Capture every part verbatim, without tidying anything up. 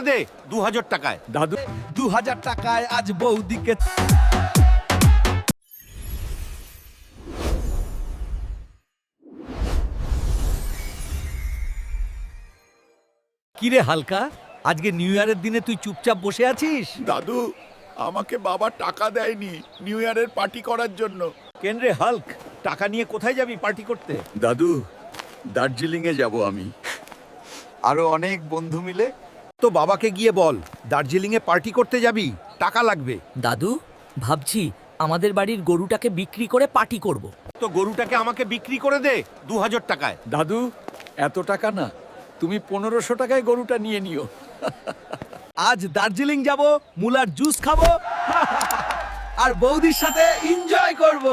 দে দু হাজার টাকায়। দাদু দু হাজার টাকায় আজ বৌদিকে। কিরে হালকা, আজকে নিউ ইয়ারের দিনে তুই চুপচাপ বসে আছিস? দাদু, আমাকে বাবা টাকা দেয়নি নিউ ইয়ারের পার্টি করার জন্য। কেন রে হাল্ক, টাকা নিয়ে কোথায় যাবি পার্টি করতে? দাদু, দার্জিলিং এ যাব আমি, আরো অনেক বন্ধু মিলে। তো বাবাকে গিয়ে বল দার্জিলিং এ পার্টি করতে যাবি, টাকা লাগবে। দাদু ভাবছি আমাদের বাড়ির গরুটাকে বিক্রি করে পার্টি করব। তো গরুটাকে আমাকে বিক্রি করে দে দু হাজার টাকায়। দাদু এত টাকা না, তুমি পনেরোশো টাকায় গরুটা নিয়ে নিও। আজ দার্জিলিং যাব, মুলার জুস খাবো আর বৌদির সাথে এনজয় করব।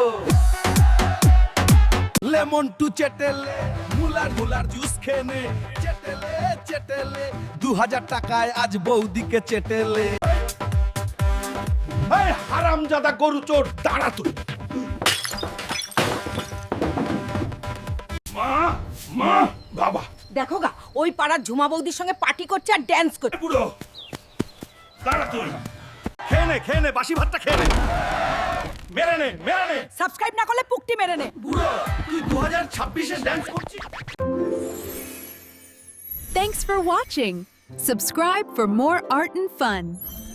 লেমন টু চেটেলে, মুলার মুলার জুস খেনে, চেটেলে চেটেলে দু হাজার টাকায় আজ বৌদিকে চেটেলে। এই হারামজাদা গরু চোর, দাঁড়া তুই। মা মা বাবা, দেখো গা, ওই পাড়ার ঝুমা বৌদির সঙ্গে পার্টি করছে আর ড্যান্স করছে। বুড়ো দাঁড়া তুই। খেয়ে নে খেয়ে নে, বাসি ভাতটা খেয়ে নে, মেরে নে মেরে নে। সাবস্ক্রাইব না করলে পুকটি মেরে নে। বুড়ো তুই দু হাজার ছাব্বিশে ড্যান্স করছিস? Thanks for watching. Subscribe for more art and fun.